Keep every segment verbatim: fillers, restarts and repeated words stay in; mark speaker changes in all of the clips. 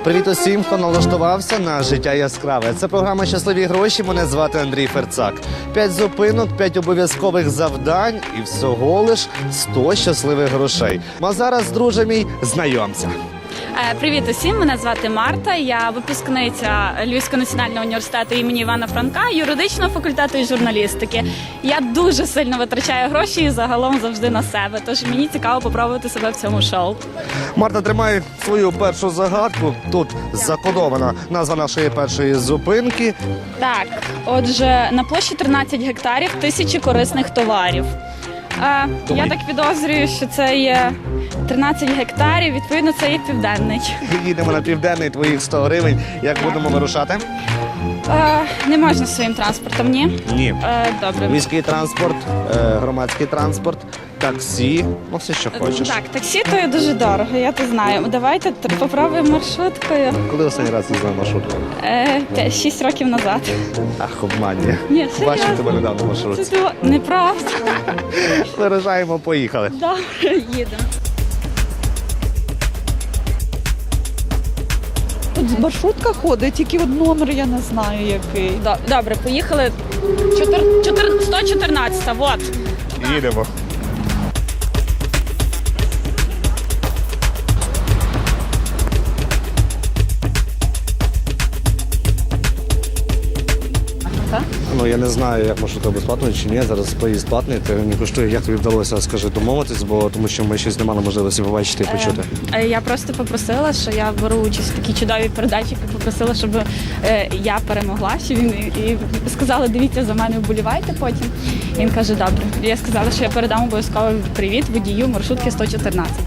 Speaker 1: Привіт усім, хто налаштувався на життя яскраве. Це програма «Щасливі гроші». Мене звати Андрій Ферцак. П'ять зупинок, п'ять обов'язкових завдань і всього лиш сто щасливих грошей. А зараз, друже мій, знайомся.
Speaker 2: Привіт усім, мене звати Марта, я випускниця Львівського національного університету імені Івана Франка, юридичного факультету і журналістики. Я дуже сильно витрачаю гроші і загалом завжди на себе, тож мені цікаво попробувати себе в цьому шоу.
Speaker 1: Марта, тримай свою першу загадку. Тут закодована назва нашої першої зупинки.
Speaker 2: Так, отже, на площі тринадцять гектарів, тисячі корисних товарів. А, я так підозрюю, що це є тринадцять гектарів, відповідно, це є південний.
Speaker 1: Їдемо на південний, твоїх сто гривень. Як будемо вирушати?
Speaker 2: А, не можна своїм транспортом, ні?
Speaker 1: Ні.
Speaker 2: А, добре.
Speaker 1: Міський транспорт, е, громадський транспорт, таксі, ну все, що хочеш.
Speaker 2: Так, таксі то є дуже дорого, я то знаю. Давайте т- попробуємо маршруткою.
Speaker 1: Коли останній раз їздила маршруткою?
Speaker 2: Е, п'ять- шість років назад.
Speaker 1: Ах, обманює.
Speaker 2: Ні,
Speaker 1: Бачив
Speaker 2: серйозно.
Speaker 1: тебе недавно в маршрутці.
Speaker 2: Це то неправда.
Speaker 1: Виражаємо, поїхали.
Speaker 2: Добре, їдемо.
Speaker 3: Тут маршрутка ходить, тільки от номер я не знаю який.
Speaker 2: До- Добре, поїхали. Чотир... Чотир... сто чотирнадцята, вот.
Speaker 1: Їдемо. Ну, я не знаю, як маршрутка безплатна чи ні. Зараз поїзд платний, ти не коштує. Як тобі вдалося, скажи, домовитись, бо тому що ми щось не мали можливості побачити і почути.
Speaker 2: Е, Я просто попросила, що я беру участь в такій чудовій передачі, попросила, щоб е, я перемогла, що він і, і сказали, дивіться за мене, вболівайте потім. І він каже, добре. І я сказала, що я передам обов'язково привіт водію маршрутки сто чотирнадцять.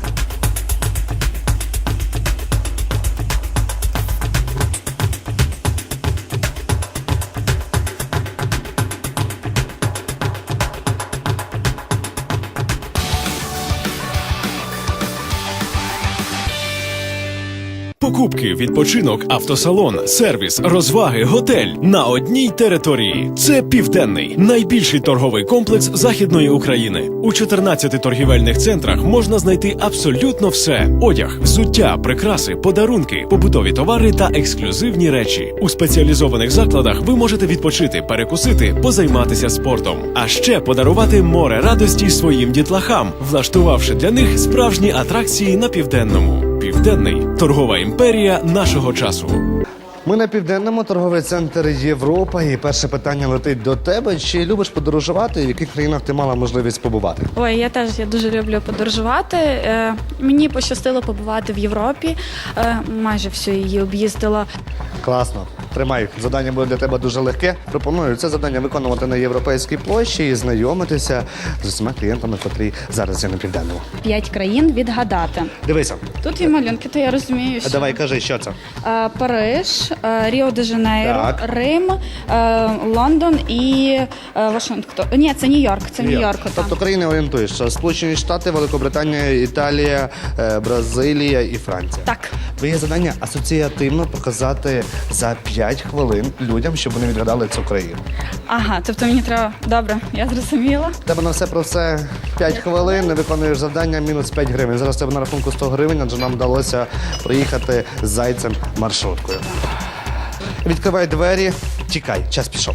Speaker 4: Покупки, відпочинок, автосалон, сервіс, розваги, готель на одній території. Це Південний, найбільший торговий комплекс Західної України. У чотирнадцяти торгівельних центрах можна знайти абсолютно все: одяг, взуття, прикраси, подарунки, побутові товари та ексклюзивні речі. У спеціалізованих закладах ви можете відпочити, перекусити, позайматися спортом, а ще подарувати море радості своїм дітлахам, влаштувавши для них справжні атракції на Південному. Південний – торгова імперія нашого часу.
Speaker 1: Ми на Південному, торговий центр Європа. І перше питання летить до тебе. Чи любиш подорожувати? В яких країнах ти мала можливість побувати?
Speaker 2: Ой, я теж я дуже люблю подорожувати. Е, мені пощастило побувати в Європі. Е, майже всю її об'їздила.
Speaker 1: Класно. Тримай. Завдання буде для тебе дуже легке. Пропоную це завдання виконувати на Європейській площі і знайомитися з усіма клієнтами, котрі зараз є на Південному.
Speaker 2: П'ять країн відгадати.
Speaker 1: Дивися.
Speaker 2: Тут є малюнки, то я розумію, що...
Speaker 1: Давай, кажи, що це?
Speaker 2: Е, Париж, е, Ріо-де-Жанейро,
Speaker 1: Так.
Speaker 2: Рим, е, Лондон і е, Вашингтон. Ні, це Нью-Йорк, це Нью-Йорк. отам.
Speaker 1: Тобто країни орієнтуєш. Сполучені Штати, Великобританія, Італія, е, Бразилія і Франція.
Speaker 2: Так.
Speaker 1: Твоє завдання асоціативно показати за п'ять хвилин людям, щоб вони відгадали цю країну.
Speaker 2: Ага, тобто мені треба... Добре, я зрозуміла.
Speaker 1: В тебе на все про все п'ять хвилин, не виконуєш завдання, мінус п'ять гривень. Зараз в тебе на рахунку сто гривень, адже нам вдалося проїхати з зайцем маршруткою. Відкривай двері, тікай, час пішов.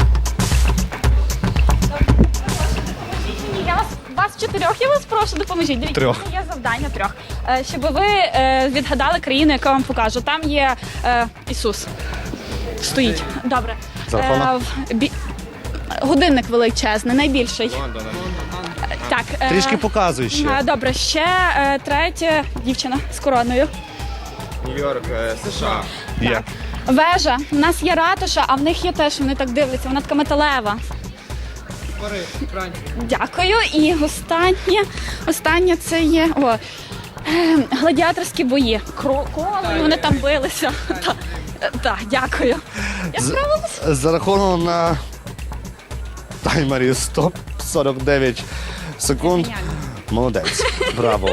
Speaker 2: Я вас, вас чотирьох, я вас прошу, допоможіть. Дивіться,
Speaker 1: Трьох.
Speaker 2: в мене є завдання трьох. Е, щоб ви е, відгадали країну, яку я вам покажу. Там є е, Ісус. Стоїть. Добре.
Speaker 1: Зараховано?
Speaker 2: в- бі- Годинник величезний, найбільший. Е, Так. е,
Speaker 1: Трішки показуй ще.
Speaker 2: е, Добре, ще е, третя дівчина з короною.
Speaker 5: Нью-Йорк, е, США.
Speaker 1: Є.
Speaker 2: Вежа. У нас є ратуша, а в них є теж, вони так дивляться, вона така металева.
Speaker 5: Париж, Франція.
Speaker 2: Дякую. І останнє, останнє це є о, е, гладіаторські бої. Кро- Коли вони там билися. Так, та, дякую. Я
Speaker 1: З-
Speaker 2: справилась.
Speaker 1: Зараховано на таймері стоп сорок дев'ять секунд.
Speaker 2: Геніально.
Speaker 1: Молодець. Браво.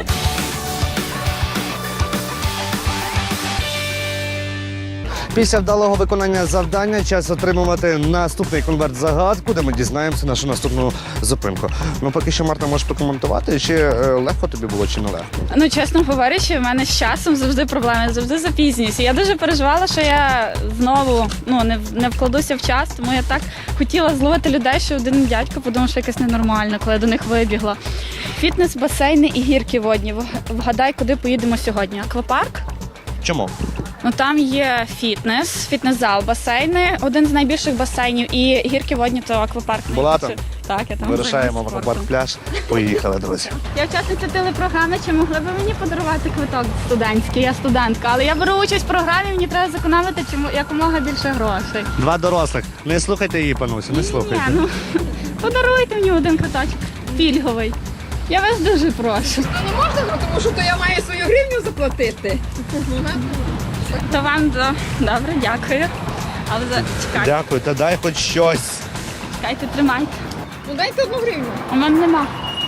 Speaker 1: Після вдалого виконання завдання час отримувати наступний конверт-загадку, де ми дізнаємося нашу наступну зупинку. Ну, поки що, Марта, можеш прокоментувати, чи е, легко тобі було, чи не легко?
Speaker 2: Ну, чесно говорячи, в мене з часом завжди проблеми, я завжди запізнююся. Я дуже переживала, що я знову ну, не, в- не вкладуся в час, тому я так хотіла зловити людей, що один дядько подумав, що якесь ненормально, коли я до них вибігла. Фітнес, басейни і гірки водні. Вг- Вгадай, куди поїдемо сьогодні? Аквапарк?
Speaker 1: Чому?
Speaker 2: Ну там є фітнес, фітнес-зал, басейни, один з найбільших басейнів, і гірки водні, то аквапарк.
Speaker 1: Була там?
Speaker 2: Так, я там
Speaker 1: Вирушаємо в
Speaker 2: займаюся
Speaker 1: аквапарк
Speaker 2: спортом.
Speaker 1: пляж. Поїхали, друзі.
Speaker 2: Я учасниця телепрограми, чи могли б ви мені подарувати квиток студентський? Я студентка, але я беру участь в програмі, мені треба зекономити чому якомога більше грошей.
Speaker 1: Два дорослих. Не слухайте її, панусю, не слухайте.
Speaker 2: Ні, ну подаруйте мені один квиточок пільговий. Я вас дуже прошу.
Speaker 6: Не можна, ну, тому що то я маю свою гривню заплатити.
Speaker 2: То вам до... добре, дякую. Але за... чекайте,
Speaker 1: Дякую, та дай хоч щось.
Speaker 2: чекайте, тримайте.
Speaker 6: Ну дайте одну гривню.
Speaker 2: У мене нема.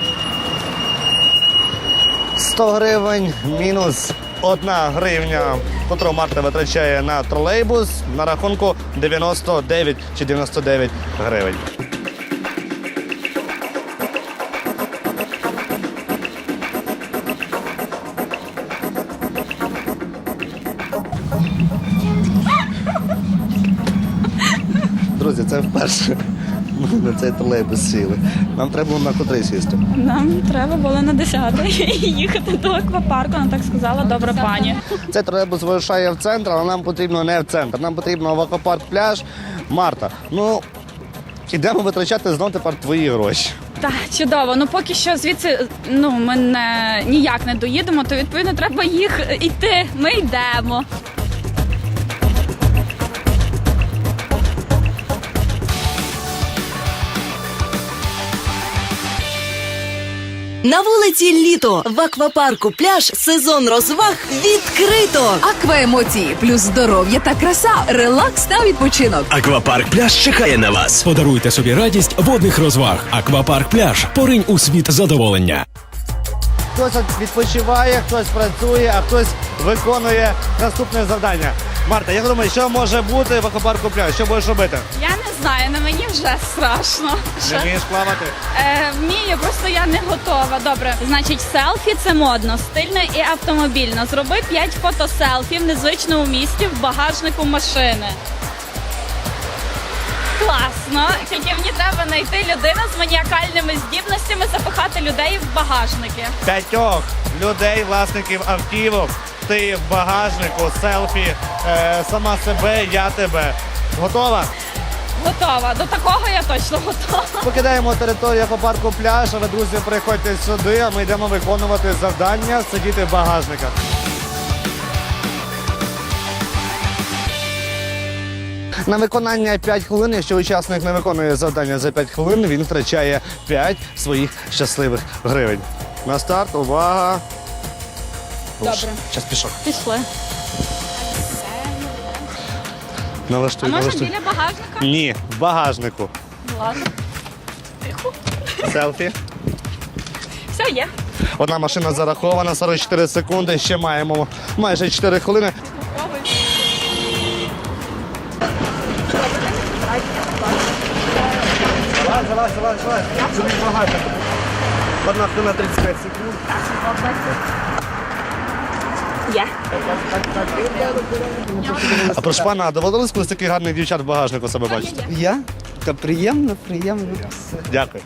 Speaker 1: сто гривень мінус одна гривня, котру Марта витрачає на тролейбус, на рахунку дев'яносто дев'ять чи дев'яносто дев'ять гривень. Друзі, це вперше ми на цей тролейбус сіли. Нам треба було на котрий сісти.
Speaker 2: Нам треба було на десяте їхати до аквапарку, вона так сказала, добра пані.
Speaker 1: Цей тролейбус вирушає в центр, але нам потрібно не в центр. Нам потрібно в аквапарк пляж. Марта, ну ідемо витрачати знов тепер твої гроші.
Speaker 2: Так, чудово. Ну поки що звідси ну ми не ніяк не доїдемо, то відповідно треба їх йти. Ми йдемо.
Speaker 7: На вулиці літо в аквапарку пляж сезон розваг відкрито.
Speaker 6: Акваемоції плюс здоров'я та краса, релакс та відпочинок.
Speaker 4: Аквапарк пляж чекає на вас. Подаруйте собі радість водних розваг. Аквапарк пляж. Поринь у світ задоволення.
Speaker 1: Хтось відпочиває, хтось працює, а хтось виконує наступне завдання. Марта, як думаєш, що може бути в аквапарку пляж? Що будеш робити?
Speaker 2: Я не знаю, на мені вже страшно.
Speaker 1: Не
Speaker 2: Що?
Speaker 1: вмієш плавати?
Speaker 2: Е, вмію, просто я не готова. Добре, значить, селфі це модно, стильно і автомобільно. Зроби п'ять фотоселфі в незвичному місті в багажнику машини. Класно. Тільки мені треба знайти людину з маніакальними здібностями запихати людей в багажники.
Speaker 1: П'ятьох людей, власників автівок. Ти в багажнику, селфі, е, сама себе, я тебе. Готова?
Speaker 2: Готова. До такого я точно готова.
Speaker 1: Покидаємо територію аквапарку пляж, але, друзі, приходьте сюди, а ми йдемо виконувати завдання, сидіти в багажниках. На виконання п'ять хвилин, якщо учасник не виконує завдання за п'ять хвилин, він втрачає п'ять своїх щасливих гривень. На старт, увага.
Speaker 2: Добре.
Speaker 1: Час пішов.
Speaker 2: Пішли. А
Speaker 1: Налаштуй,
Speaker 2: можна
Speaker 1: налаштуй.
Speaker 2: біля багажника?
Speaker 1: Ні, в багажнику.
Speaker 2: Ладно. Тихо.
Speaker 1: Селфі.
Speaker 2: Все, є.
Speaker 1: Одна машина зарахована, сорок чотири секунди, ще маємо майже чотири хвилини. Залазь, залазь, залазь, залазь. Це не багато. Одна хвилина тридцять п'ять секунд.
Speaker 2: Є.
Speaker 1: А прошу пана, а доводилось колись таких гарних дівчат в багажнику себе бачити?
Speaker 3: Я? Та приємно, приємно.
Speaker 1: Дякую.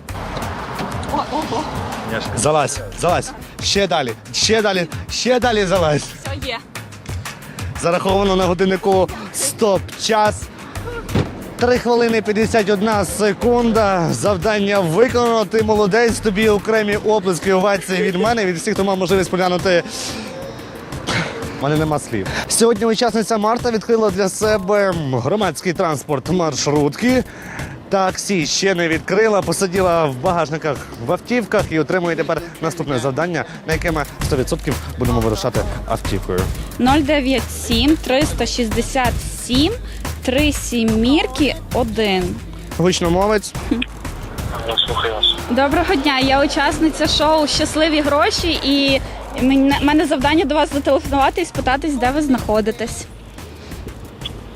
Speaker 1: Залазь, залазь. Ще далі, ще далі, ще далі залазь.
Speaker 2: Все є.
Speaker 1: Зараховано на годиннику стоп-час. три хвилини п'ятдесят одна секунда. Завдання виконано. Ти молодець. Тобі окремі оплески, овації від мене, від всіх, хто мав можливість поглянути. У мене нема слів. Сьогодні учасниця Марта відкрила для себе громадський транспорт маршрутки. Таксі ще не відкрила, посиділа в багажниках в автівках і отримує тепер наступне завдання, на яке ми сто відсотків будемо вирушати автівкою.
Speaker 2: нуль дев'ять сім триста шістдесят сім три сімірки один.
Speaker 1: Гучномовець.
Speaker 2: Доброго дня, я учасниця шоу «Щасливі гроші» і в мене завдання до вас зателефонувати і спитатись, де ви знаходитесь.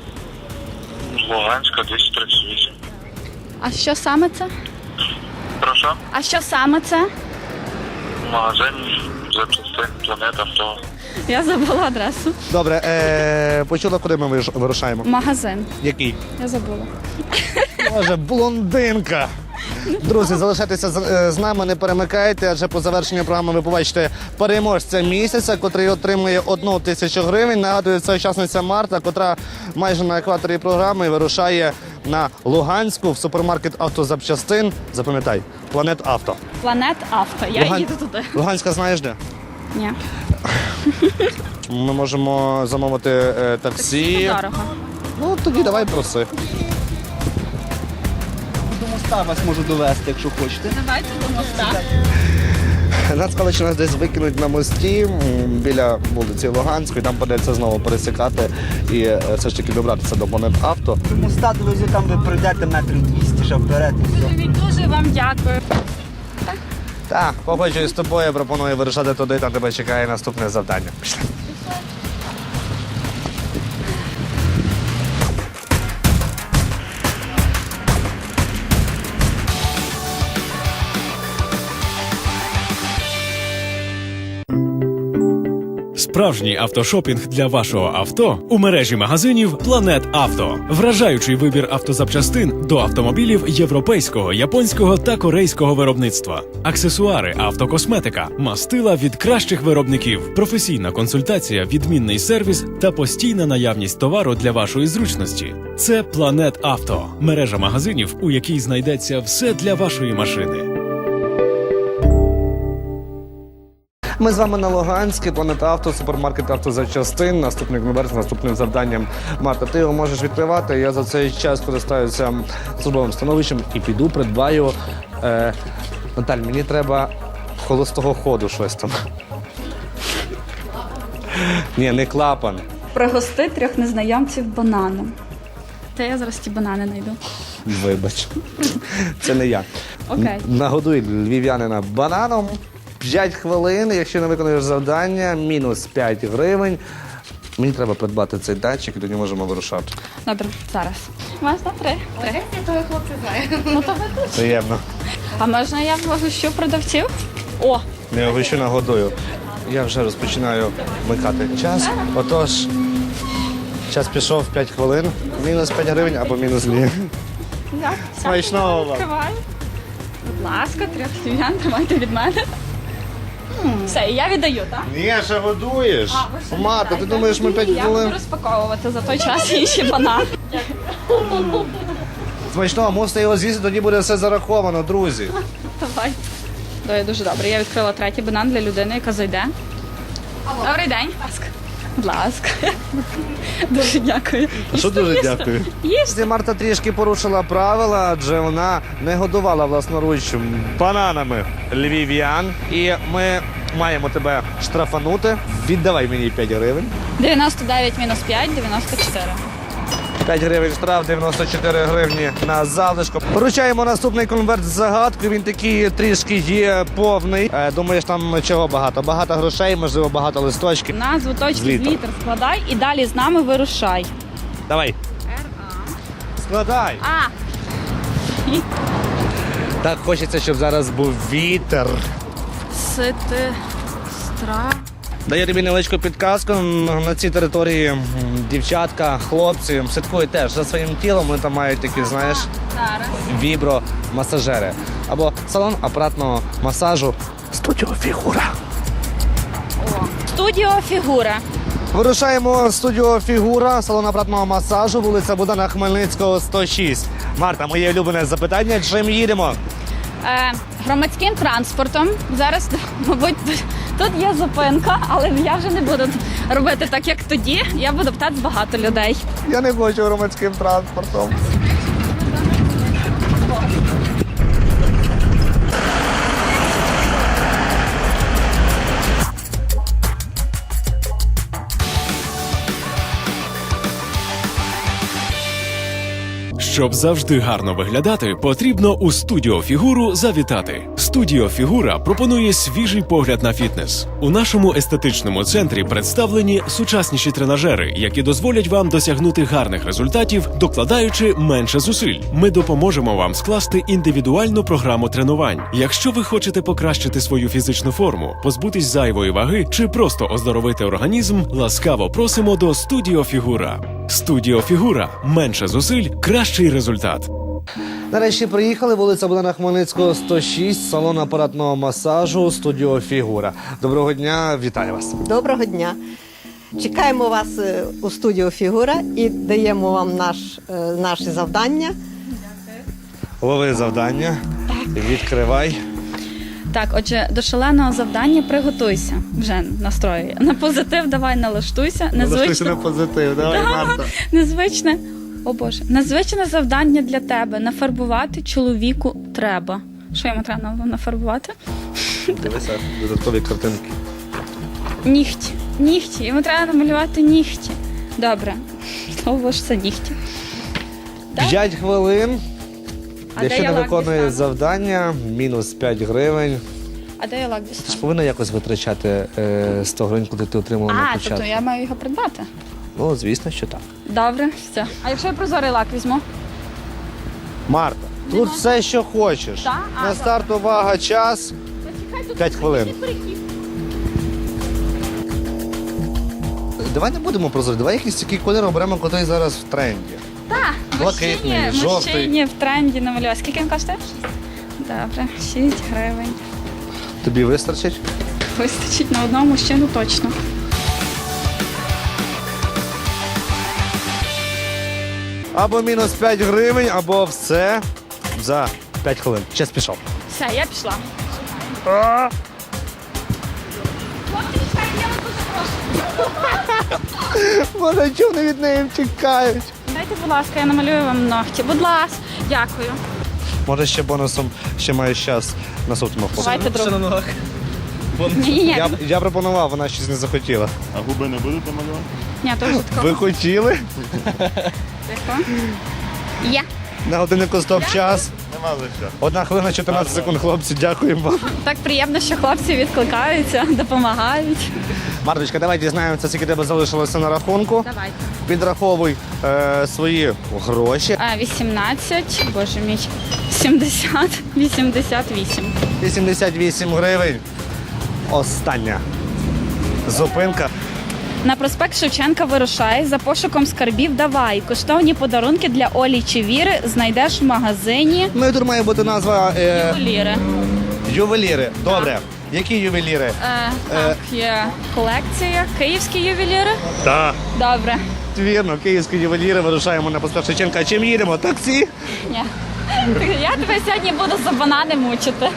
Speaker 8: Луганська, двісті тридцять вісім.
Speaker 2: А що саме це?
Speaker 8: Прошу.
Speaker 2: А що саме це?
Speaker 8: Магазин запчастин, планета, авто.
Speaker 2: Я забула адресу.
Speaker 1: Добре, е, почула, куди ми виш- вирушаємо?
Speaker 2: Магазин.
Speaker 1: Який?
Speaker 2: Я забула.
Speaker 1: Боже, блондинка. Друзі, залишайтеся з, е, з нами, не перемикайте, адже по завершенню програми ви побачите переможця місяця, котрий отримує одну тисячу гривень. Нагадую, це учасниця Марта, котра майже на екваторі програми вирушає на Луганську в супермаркет автозапчастин. Запам'ятай, Планет Авто.
Speaker 2: Планет Авто. Я
Speaker 1: Луган-
Speaker 2: їду туди.
Speaker 1: Луганська знаєш де?
Speaker 2: Ні.
Speaker 1: Ми можемо замовити е, таксі.
Speaker 2: Дорого.
Speaker 1: Ну, тоді давай проси.
Speaker 5: До моста вас можу довести, якщо хочете.
Speaker 2: Давайте до моста.
Speaker 1: Нас сказали, що нас десь викинуть на мості м, біля вулиці Луганської, там придеться знову пересікати і е, все ж таки добратися до Планет Авто.
Speaker 5: До моста довезу, там ви пройдете метрів двісті, ще вперед. і все.
Speaker 2: Дуже вам дякую.
Speaker 1: Так, погоджуюсь з тобою, пропоную вирушати туди, там тебе чекає наступне завдання. Пішли.
Speaker 4: Справжній автошопінг для вашого авто у мережі магазинів Планет Авто. Вражаючий вибір автозапчастин до автомобілів європейського, японського та корейського виробництва. Аксесуари, автокосметика, мастила від кращих виробників, професійна консультація, відмінний сервіс та постійна наявність товару для вашої зручності. Це Планет Авто. Мережа магазинів, у якій знайдеться все для вашої машини.
Speaker 1: Ми з вами на Луганській, Планет Авто, супермаркет автозапчастин. Наступний конверт з наступним завданням. Марта, ти його можеш відкривати. Я за цей час користаюся службовим становищем і піду придбаю. Е, Наталь, мені треба холостого ходу щось там. Ні, не клапан.
Speaker 2: Пригости трьох незнайомців бананом. Та я зараз ті банани знайду.
Speaker 1: Вибач. Це не я.
Speaker 2: Окей.
Speaker 1: Нагодуй львів'янина бананом. п'ять хвилин, якщо не виконуєш завдання, мінус п'ять гривень. Мені треба придбати цей датчик, і тоді можемо вирушати.
Speaker 2: Добре, зараз. Можна три? Три.
Speaker 9: Я того хлопця знаю.
Speaker 2: Ну то ви тут.
Speaker 1: Приємно.
Speaker 2: А можна я погощу продавців? О,
Speaker 1: Не огощу, нагодую. Я вже розпочинаю вмикати час. Отож, час пішов п'ять хвилин. Мінус п'ять гривень або мінус дві.
Speaker 2: так.
Speaker 1: Смачного вам.
Speaker 2: Відкриваю. Будь ласка, трьох львів'ян, тримайте від мене. М, Все, і я віддаю, так?
Speaker 1: Ні, ще годуєш. Марта, ти думаєш, ми п'ять
Speaker 2: Я
Speaker 1: хвилин?
Speaker 2: буду розпаковувати за той час інші банани.
Speaker 1: Смачного, мусите його з'їсти, тоді буде все зараховано, друзі.
Speaker 2: Давай. Давай, дуже добре. Я відкрила третій банан для людини, яка зайде. Добрий день. Будь ласка. Будь ласка. Дуже дякую.
Speaker 1: Що дуже дякую.
Speaker 2: Їжте.
Speaker 1: Марта трішки порушила правила, адже вона не годувала власноруч бананами львів'ян. І ми маємо тебе штрафанути. Віддавай мені п'ять гривень.
Speaker 2: дев'яносто дев'ять мінус п'ять, дев'яносто чотири.
Speaker 1: п'ять гривень штраф, дев'яносто чотири гривні на залишку. Поручаємо наступний конверт з загадкою. Він такий трішки є повний. Е, думаєш, там чого багато? Багато грошей, можливо, багато листочків.
Speaker 2: Назву точки з
Speaker 1: Зліто.
Speaker 2: літер складай і далі з нами вирушай.
Speaker 1: Давай. Складай.
Speaker 2: А,
Speaker 1: Так хочеться, щоб зараз був вітер.
Speaker 2: сити, стра.
Speaker 1: Даю тобі невеличку підказку. На цій території м, дівчатка, хлопці слідкують теж за своїм тілом. Вони там мають такі, знаєш,
Speaker 2: Зараз.
Speaker 1: вібро-масажери. Або салон апаратного масажу «Студіо Фігура».
Speaker 2: Студіо Фігура.
Speaker 1: Вирушаємо в студіо Фігура, салон апаратного масажу, вулиця Богдана Хмельницького, сто шість. Марта, моє улюблене запитання, чим їдемо?
Speaker 2: Е, громадським транспортом. Зараз, мабуть, тут є зупинка, але я вже не буду робити так, як тоді. Я буду питати багато людей.
Speaker 1: Я не хочу громадським транспортом.
Speaker 4: Щоб завжди гарно виглядати, потрібно у студіо Фігуру завітати. Студіо Фігура пропонує свіжий погляд на фітнес. У нашому естетичному центрі представлені сучасніші тренажери, які дозволять вам досягнути гарних результатів, докладаючи менше зусиль. Ми допоможемо вам скласти індивідуальну програму тренувань. Якщо ви хочете покращити свою фізичну форму, позбутись зайвої ваги чи просто оздоровити організм, ласкаво просимо до Студіо Фігура. Студіо Фігура. Менше зусиль, кращий результат.
Speaker 1: Нарешті приїхали, вулиця Богдана Хмельницького, сто шість, салон апаратного масажу, студіо Фігура. Доброго дня, вітаю вас.
Speaker 9: Доброго дня. Чекаємо вас е, у студію Фігура і даємо вам наш, е, наші завдання.
Speaker 1: Лови завдання, відкривай.
Speaker 2: Так, отже, до шаленого завдання приготуйся. Вже настроює. На позитив давай налаштуйся.
Speaker 1: Налаштуйся на позитив, давай, Марта.
Speaker 2: Незвичне, о Боже, незвичне завдання для тебе. Нафарбувати чоловіку треба. Що йому треба нафарбувати?
Speaker 1: Дивися, додаткові картинки.
Speaker 2: Нігті. Нігті. Йому треба намалювати нігті. Добре. Слово ж це нігті. Так?
Speaker 1: П'ять хвилин.
Speaker 2: А де
Speaker 1: Якщо
Speaker 2: я
Speaker 1: не
Speaker 2: лак
Speaker 1: виконує
Speaker 2: дістану?
Speaker 1: завдання, мінус п'ять гривень.
Speaker 2: А де я лак
Speaker 1: Ти ж
Speaker 2: дістану?
Speaker 1: повинна якось витрачати е, сто гривень, куди ти отримала на
Speaker 2: А,
Speaker 1: початку.
Speaker 2: тобто я маю його придбати.
Speaker 1: Ну, звісно, що так.
Speaker 2: Добре, все. А якщо я прозорий лак візьму?
Speaker 1: Марта, тут все, що хочеш.
Speaker 2: Так? А,
Speaker 1: На старт увага, час. П'ять хвилин. Давай не будемо прозорі, давай якийсь такий колір оберемо, який зараз в тренді.
Speaker 2: Так,
Speaker 1: Блакитний,
Speaker 2: мужчині,
Speaker 1: жовтий.
Speaker 2: мужчині в тренді намалювати. Скільки він коштує? Добре, шість гривень.
Speaker 1: Тобі вистачить?
Speaker 2: Вистачить на одного мужчину точно.
Speaker 1: Або мінус п'ять гривень, або все за п'ять хвилин. Час пішов.
Speaker 2: Все, я пішла.
Speaker 1: Боже, чого вони від неї втікають?
Speaker 2: Дайте, будь ласка, я намалюю вам ногті. Будь ласка, дякую.
Speaker 1: Може ще бонусом, ще маєш час наступному хлопцю.
Speaker 2: Давайте друг. Ні-ні-ні,
Speaker 1: Я, я пропонував, вона щось не захотіла.
Speaker 10: А губи не будете малювати?
Speaker 2: ні, то вже такого.
Speaker 1: Ви хотіли?
Speaker 2: Тихо. Є.
Speaker 1: На годиннику стоп час.
Speaker 10: Нема за що.
Speaker 1: Одна хвилина, чотирнадцять секунд, хлопці, дякуємо вам.
Speaker 2: Так приємно, що хлопці відкликаються, допомагають.
Speaker 1: Марточка, давай дізнаємося, скільки тебе залишилося на рахунку.
Speaker 2: Давайте.
Speaker 1: Підраховуй е, свої гроші.
Speaker 2: А, вісімнадцять, боже мій, сімдесят, вісімдесят вісім.
Speaker 1: вісімдесят вісім гривень. Остання зупинка.
Speaker 2: На проспект Шевченка вирушай, за пошуком скарбів давай. Коштовні подарунки для Олі чи Віри знайдеш в магазині
Speaker 1: Ну і тут має бути назва е,
Speaker 2: Ювеліри.
Speaker 1: ювеліри. Добре. Які ювеліри?
Speaker 2: Е, так, є колекція. Київські ювеліри?
Speaker 1: Так.
Speaker 2: Добре.
Speaker 1: Вірно, київські ювеліри, вирушаємо на проспект Шевченка. А чим їдемо? Таксі?
Speaker 2: Ні. Я тебе сьогодні буду за банани мучити.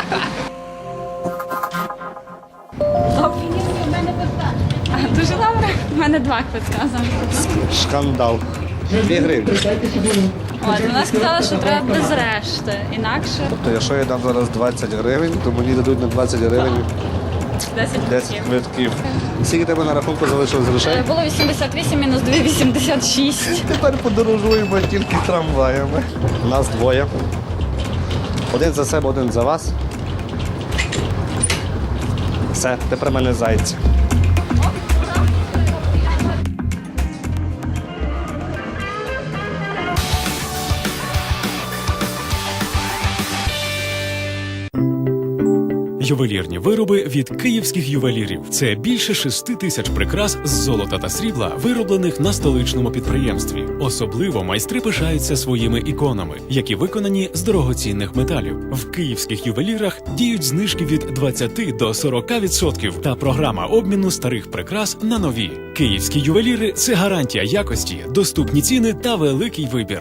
Speaker 2: Добре, ні, в мене питання. Дуже добре. У мене два квитка зараз.
Speaker 1: Шкандал. Дві гривні.
Speaker 2: От, вона сказала, що треба без решти. Інакше
Speaker 1: Тобто, якщо я дам зараз двадцять гривень, то мені дадуть на двадцять гривень
Speaker 2: десять
Speaker 1: десять
Speaker 2: квитків.
Speaker 1: квитків. Скільки тебе на рахунку залишилось
Speaker 2: Е,
Speaker 1: грошей?
Speaker 2: Було вісімдесят вісім мінус два, вісімдесят шість.
Speaker 1: Тепер подорожуємо тільки трамваями. Нас двоє. Один за себе, один за вас. Все, тепер мене зайці.
Speaker 4: Ювелірні вироби від київських ювелірів. Це більше шести тисяч прикрас з золота та срібла, вироблених на столичному підприємстві. Особливо майстри пишаються своїми іконами, які виконані з дорогоцінних металів. В київських ювелірах діють знижки від двадцяти до сорока відсотків та програма обміну старих прикрас на нові. Київські ювеліри – це гарантія якості, доступні ціни та великий вибір.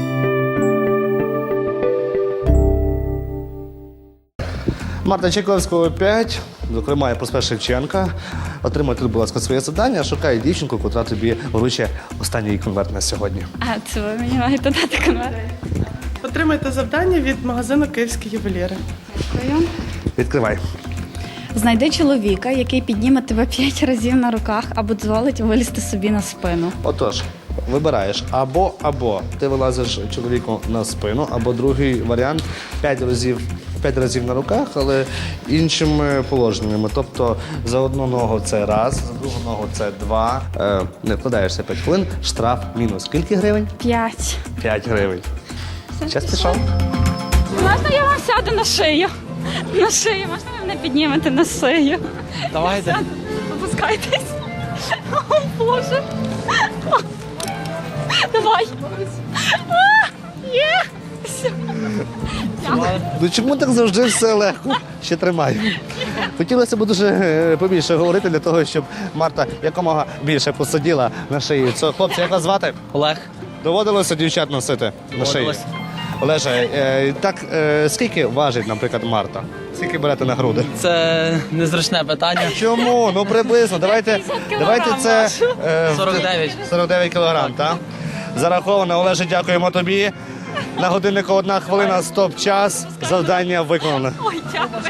Speaker 1: Марта Чайковського п'ять, зокрема, я проспект Шевченка. Отримай тут, будь ласка, своє завдання, шукай дівчинку, котра тобі вручить останній конверт на сьогодні.
Speaker 2: А це ви мені маєте дати конверт?
Speaker 11: Отримайте завдання від магазину «Київські ювеліри».
Speaker 2: Дякую.
Speaker 1: Відкривай.
Speaker 2: Знайди чоловіка, який підніме тебе п'ять разів на руках або дозволить вилізти собі на спину.
Speaker 1: Отож, Вибираєш або або ти вилазиш чоловіку на спину, або другий варіант п'ять разів. П'ять разів на руках, але іншими положеннями. Тобто за одну ногу це раз, за другу ногу це два. Е, не вкладаєшся п'ять хвилин, штраф мінус. Скільки гривень?
Speaker 2: П'ять.
Speaker 1: п'ять гривень. Час пішов.
Speaker 2: Можна я вам сяду на шию? На шию, можна ви мене піднімете на шию?
Speaker 5: Давайте.
Speaker 2: Опускайтесь. О, Боже. Давай. А, Є. Все.
Speaker 1: Ну чому так завжди все легко? Ще тримаю. Хотілося б дуже е, побільше говорити для того, щоб Марта якомога більше посиділа на шиї. Це, хлопці, як вас звати?
Speaker 5: Олег.
Speaker 1: Доводилося дівчат носити на шиї?
Speaker 5: Доводилось.
Speaker 1: Олеже, е, так е, скільки важить, наприклад, Марта? Скільки берете на груди?
Speaker 5: Це незручне питання.
Speaker 1: Чому? Ну приблизно. Давайте, давайте це е, в-
Speaker 5: сорок дев'ять.
Speaker 1: сорок дев'ять кілограм, так? Зараховано. Олеже, дякуємо тобі. На годиннику одна хвилина, стоп-час. Завдання виконано.
Speaker 2: Ой, дякую.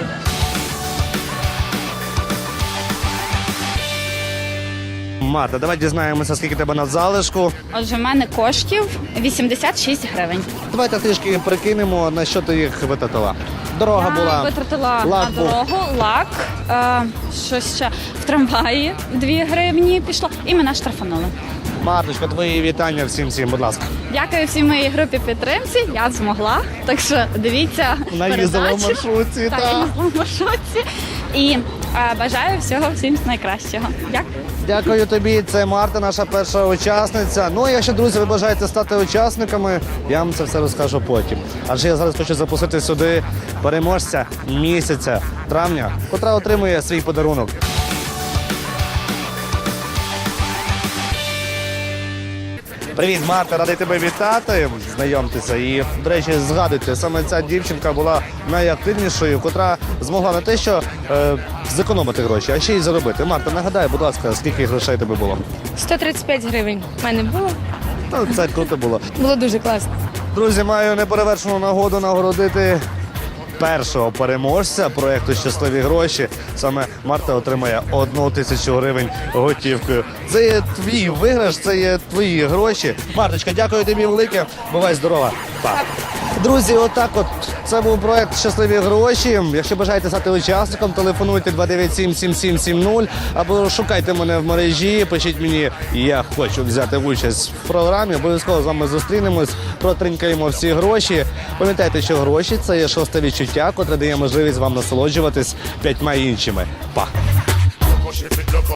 Speaker 1: Марта, давай дізнаємося, скільки тебе на залишку.
Speaker 2: Отже, в мене коштів вісімдесят шість гривень.
Speaker 1: Давайте трішки прикинемо, на що ти їх витратила. Дорога
Speaker 2: Я
Speaker 1: була.
Speaker 2: витратила
Speaker 1: лак
Speaker 2: на
Speaker 1: був.
Speaker 2: дорогу, лак, е, що ще в трамваї дві гривні пішло, і мене штрафанули.
Speaker 1: Марточка, твої вітання всім всім, будь ласка.
Speaker 2: Дякую всій моїй групі підтримці. Я змогла. Так що дивіться
Speaker 1: Наїздила в
Speaker 2: передачу.
Speaker 1: маршрутці,
Speaker 2: Так,
Speaker 1: так.
Speaker 2: я їздила в маршрутці. І е, бажаю всього всім найкращого. Дякую.
Speaker 1: Дякую тобі. Це Марта, наша перша учасниця. Ну, а якщо, друзі, ви бажаєте стати учасниками, я вам це все розкажу потім. Адже я зараз хочу запросити сюди переможця місяця травня, котра отримує свій подарунок. Привіт, Марта, радий тебе вітати. Знайомтеся. І, до речі, згадуйте, саме ця дівчинка була найактивнішою, котра змогла не те, що е, зекономити гроші, а ще й заробити. Марта, нагадай, будь ласка, скільки грошей тебе було?
Speaker 2: сто тридцять п'ять гривень в мене було.
Speaker 1: Ну, це круто було.
Speaker 2: Було дуже класно.
Speaker 1: Друзі, маю неперевершену нагоду нагородити першого переможця проєкту «Щасливі гроші». Саме Марта отримає одну тисячу гривень готівкою. Це є твій виграш, це є твої гроші. Марточка, дякую тобі велике. Бувай здорова. Па. Друзі, отак от це був проєкт «Щасливі гроші». Якщо бажаєте стати учасником, телефонуйте два дев'ять сім сім сім сім нуль або шукайте мене в мережі, пишіть мені, я хочу взяти участь в програмі. Обов'язково з вами зустрінемось, протринькаємо всі гроші. Пам'ятайте, що гроші – це є шосте відчуття, котре дає можливість вам насолоджуватись п'ятьма іншими. Па!